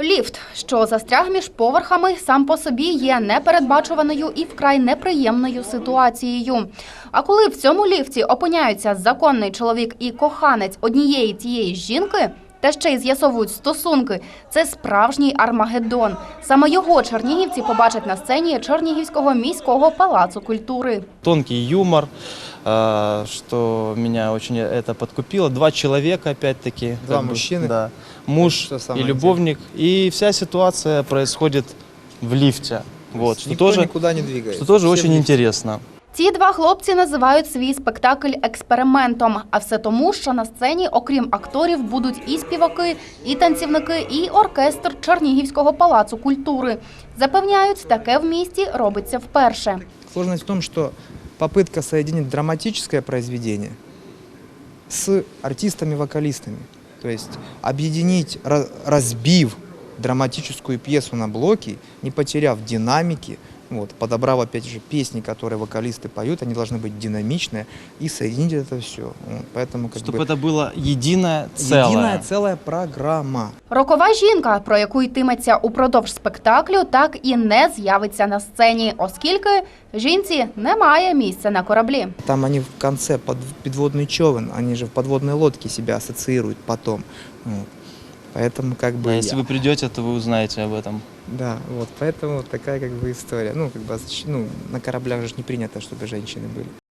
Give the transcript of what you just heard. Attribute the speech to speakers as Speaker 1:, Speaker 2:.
Speaker 1: Ліфт, що застряг між поверхами, сам по собі є непередбачуваною і вкрай неприємною ситуацією. А коли в цьому ліфті опиняються законний чоловік і коханець однієї тієї жінки, та ще й з'ясовують стосунки, це справжній Армагеддон. Саме його чернігівці побачать на сцені Чернігівського міського палацу культури.
Speaker 2: Тонкий юмор, что меня очень это подкупило. Два человека, опять-таки.
Speaker 3: Два мужчины.
Speaker 2: Да. Муж и любовник. И вся ситуация происходит в лифте. Вот, что
Speaker 3: Никто
Speaker 2: тоже,
Speaker 3: никуда не двигается.
Speaker 2: что тоже
Speaker 3: Все
Speaker 2: очень
Speaker 3: в лифте.
Speaker 2: интересно.
Speaker 1: Ці два хлопці називають свій спектакль експериментом. А все тому, що на сцені, окрім акторів, будуть і співаки, і танцівники, і оркестр Чернігівського палацу культури. Запевняють, таке в місті робиться вперше.
Speaker 3: Сложность в том, что попытка соединить драматическое произведение с артистами-вокалистами. То есть объединить, разбив драматическую пьесу на блоки, не потеряв динамики, вот, подобрав, опять же, песни, которые вокалисты поют, они должны быть динамичные, и соединить это все. Вот, поэтому,
Speaker 2: Чтобы это было единое целое.
Speaker 3: единая целая программа.
Speaker 1: Рокова жінка, про яку йтиметься упродовж спектаклю, так і не з'явиться на сцені, оскільки жінці немає місця на кораблі.
Speaker 3: Там они в конце подводный човен, они же в подводной лодке себя ассоциируют потом. Вот. Поэтому как бы...
Speaker 2: Да, если вы придете, то вы узнаете об этом.
Speaker 3: Да, вот поэтому вот такая как бы история. Ну, как бы, ну, на кораблях же не принято, чтобы женщины были.